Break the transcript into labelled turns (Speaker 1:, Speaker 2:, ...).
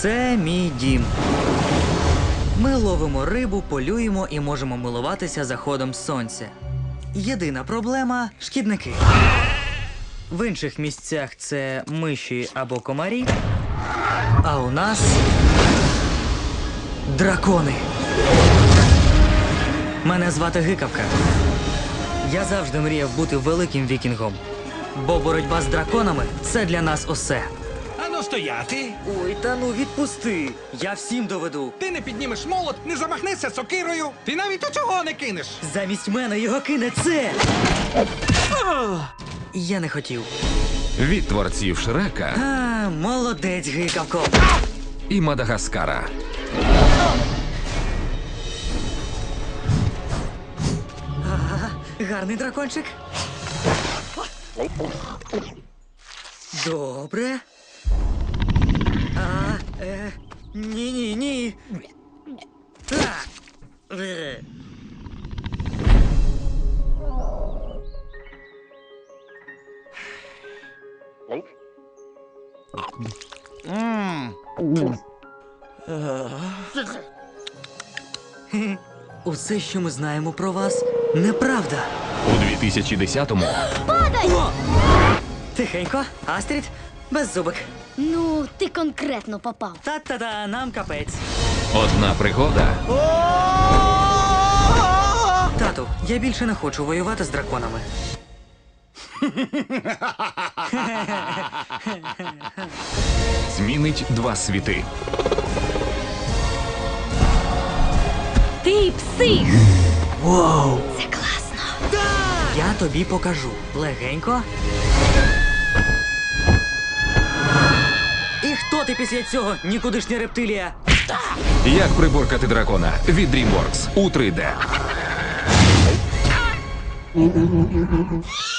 Speaker 1: Це мій дім. Ми ловимо рибу, полюємо і можемо милуватися заходом сонця. Єдина проблема – шкідники. В інших місцях це миші або комарі, а у нас – дракони. Мене звати Гикавка. Я завжди мріяв бути великим вікінгом, бо боротьба з драконами – це для нас усе.
Speaker 2: Ану стояти!
Speaker 1: Ой, та ну відпусти, я всім доведу.
Speaker 2: Ти не піднімеш молот, не замахнешся сокирою, ти навіть у цього не кинеш.
Speaker 1: Замість мене його кине це. Я не хотів.
Speaker 3: Від творців Шрека
Speaker 1: А, молодець, Гикавко.
Speaker 3: і Мадагаскара.
Speaker 1: Гарний дракончик. Добре. Ні. Усе, що ми знаємо про вас, неправда.
Speaker 3: У 2010-му
Speaker 1: Тихенько, Астрід, беззубик.
Speaker 4: Ну, ти конкретно попав.
Speaker 1: Та-та-та, нам капець.
Speaker 3: одна пригода
Speaker 1: Тату, я більше не хочу воювати з драконами.
Speaker 3: змінить два світи.
Speaker 4: Ти псих!
Speaker 1: Вау!
Speaker 4: Це класно.
Speaker 1: Я тобі покажу. Легенько. І хто ти після цього, нікудишня рептилія?
Speaker 3: Як приборкати дракона від DreamWorks у 3D.